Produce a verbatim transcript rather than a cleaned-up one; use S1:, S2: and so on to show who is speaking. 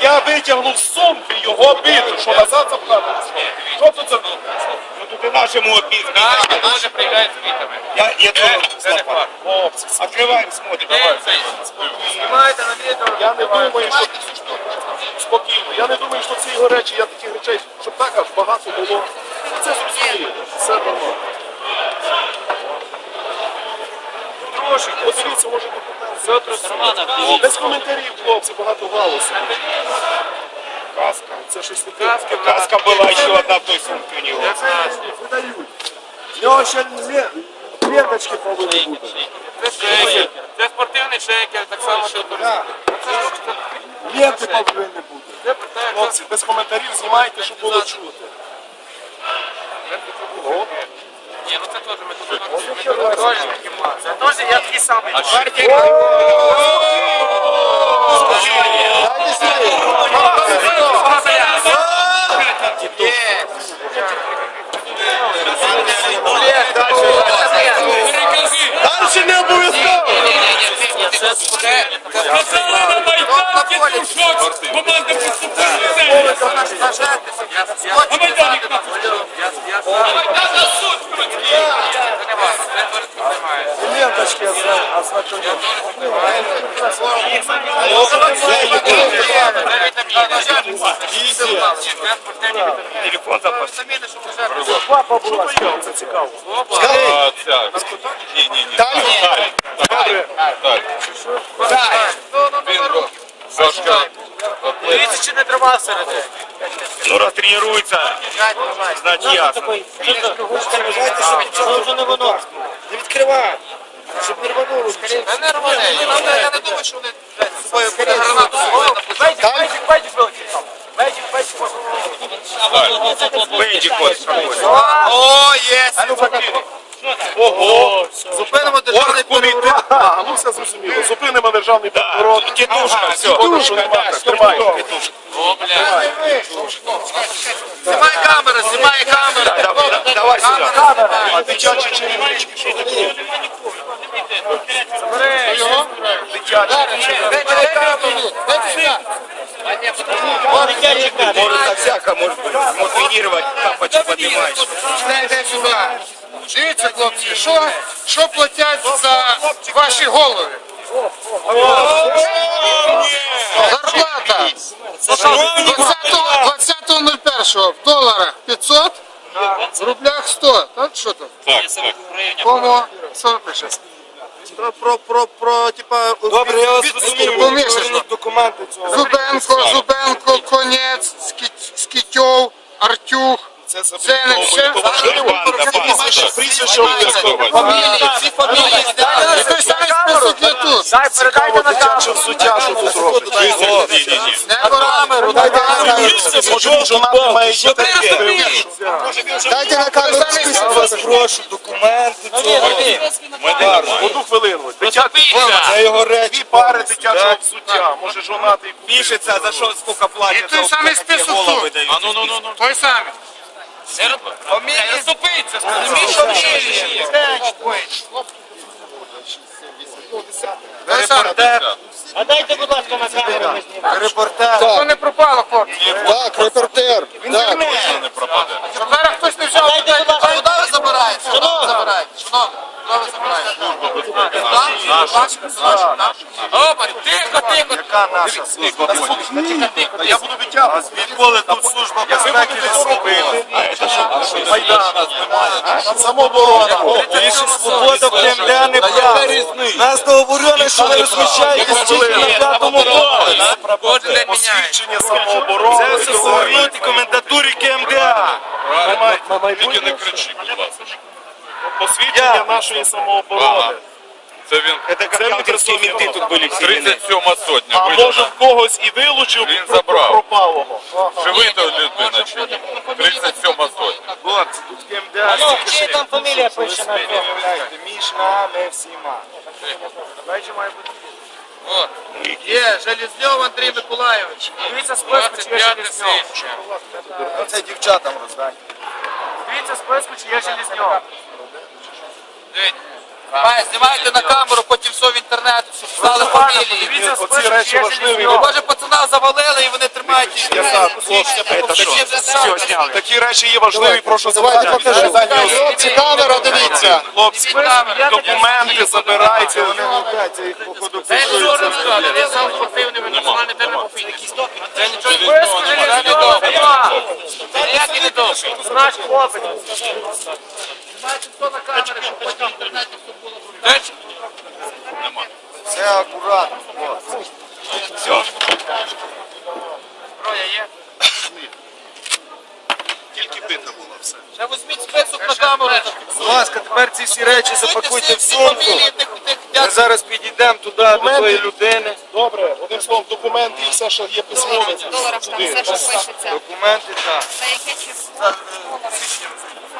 S1: я витягнув з сумки його бити, що назад запхати. Що тут за...
S2: Ну тут і нашому обізні.
S3: Наші теж приїжджають з квітами.
S2: Я, я
S3: Це
S2: тоже
S3: не факт.
S1: Хлопці,
S2: Открываем, смотрим.
S3: Де це? Знімайте на відео.
S1: я не думаю, що... Спокійно, я не думаю, що ці його речі, я таких речей, щоб так аж багато було. Це зрозуміло, все нормально. Подивіться, може бути. Без коментарів, хлопці, багато галусу.
S2: Каска.
S1: Це щось таке.
S2: Каска была еще одна в той сумке у него.
S1: Видають. В нього ще ле- ленточки повинні бути.
S3: Це шекер. Це спортивний шекер, так само, що тут.
S1: Ленти повинні бути.
S3: Це питання.
S1: Хлопці, без коментарів знімайте, щоб було чути.
S3: Ні, ну це теж ми тут. Це теж я такий самий.
S1: Дальше не обов'язково!
S4: Казали на Майданці, ти в шоці. Команда поступила в землю. А Майданик на Майдан на суд, крутки.
S1: Ленточки ознакомлені.
S2: Телефон запас.
S1: Папа була, це цікаво.
S2: Ні, ні, ні. Далі. Далі. Сашка.
S3: Дивіться, чи не тримав всередині.
S2: Ну раз тренируется, значит ясно.
S5: Це вже не воно. Не відкривай. Щоб не рвануло.
S3: Та не рване. Я не думаю, що вони з собою гранату собою напустили. Бейджик, бейджик вилетів. Бейджик, бейджик.
S2: Бейджик вот.
S3: О, є.
S1: Ого!
S3: Зупинимо державний переворот.
S1: А, ну все зрозуміло. Зупинимо державний переворот.
S2: Тітушка, все.
S1: Тримай.
S3: О, бля. Знімай камеру, знімай камеру.
S2: Давай сюда.
S1: А дитячі черевички, що таке?
S2: Может так всяко, может быть, мотивировать, тапочек поднимаешь.
S6: Йдете сюди. Дивіться, хлопці, що, що платять за ваші голови? Зарплата. двадцятого нуль першого в доларах п'ятсот, в рублях сто. Так, що там?
S2: Так, так.
S6: Кому? Що пише?
S1: Про, про, про, про, типа...
S5: Добре, я вас розумію.
S6: Помісячно.
S5: Документи цього.
S6: Зубенко, Зубенко, Конець, Скіт- Скітьов, Артюх.
S1: Це
S6: Це не все.
S1: Прізвище, прізвище обов'язково.
S3: Фамілії, всі фамілії зняли.
S6: Той самий список є тут.
S3: Дай, передайте на
S1: Дитяче взуття, що тут робить.
S2: Ні-ні-ні.
S6: Не камеру, дайте на камеру.
S1: Може він жонатий має дітей?
S6: Дайте на камеру список.
S5: Вас прошу, документи цього.
S1: Одну хвилину. Дитячі
S5: Це його
S1: дві
S5: речі.
S1: пари дитячого взуття. Може жонатий купив.
S2: Пишется, за что сколько платят.
S6: І той
S2: за
S6: самий
S2: какие
S6: список
S2: головы
S6: тут.
S2: дают.
S3: А ну, ну, ну, ну.
S6: Той самий.
S3: Фамілії. Розступиться, скажи, що фамілії.
S6: Той самий.
S5: А дайте, будь ласка, на камеру. Репортер.
S6: Що не пропало, хлопці?
S5: Так, репортер. Так.
S2: Не пропаде.
S6: Щоб зараз хтось не взяв.
S5: Дайте, будь ласка.
S3: Куди ви забираєте? Куди ви забираєте? Шановні, куди ви забираєте? Опа, тихо, тихо.
S1: Яка наша служба? Я буду витягувати. Відколи тут служба безпеки відступила. Майдан. Там самооборона.
S5: Більше свобода в КМДА не прав. Нас договорено, що ви розміщаєтесь тільки на п'ятому поверсі.
S3: Кожен день міняється.
S1: Посвідчення самооборони.
S5: Це все повернути комендатурі КМДА.
S1: Тільки не кричи, будь ласка. Посвідчення нашої самооборони.
S2: Це він. Это как янкерские менты тут были все.
S7: тридцять сьома сотня.
S1: А може в когось і вилучив
S7: Він
S1: про-
S7: забрав.
S1: пропалого.
S7: Живий то людина чи ні? тридцять сьома сотня.
S5: От, тут КМДА.
S8: Алло, чия там фамілія пише на цьому?
S5: Між нами всіма.
S3: От. Є, Железньов Андрій Миколайович. Дивіться списку, чи є Железньов.
S5: Це дівчатам роздай.
S3: Дивіться списку, чи є Железньов. Має, знімайте на камеру, потім все в інтернет, щоб стали фамілії.
S1: Оці речі важливі.
S3: Бо, може, пацана завалили і вони тримають їх.
S1: Все, зняли. Такі речі є важливі, прошу
S6: Давайте
S1: забрати.
S6: покажи. Хлопці, камера, дивіться.
S1: Хлопці, документи забирайте, вони гукаються, їх походу пишуться.
S3: Я сам спортивний, ви національний термін пофінікс. Це нічого не Це ніякий не довше.
S8: Наш хлопець.
S3: Знімайте хто на камері, щоб потім в інтернеті все було.
S1: Все акуратно. Все.
S3: Зброя є?
S1: Тільки бита була все.
S3: Ще візьміть список на камеру.
S5: Будь ласка, тепер ці всі речі запакуйте в
S3: Всі
S5: сумку.
S3: фамілії тих, тих,
S5: Ми зараз підійдемо туди до тої людини.
S1: Добре, одним словом, документи і все, що є письмове.
S9: доларах там все, що пишеться.
S5: Документи, так.
S9: За яке число?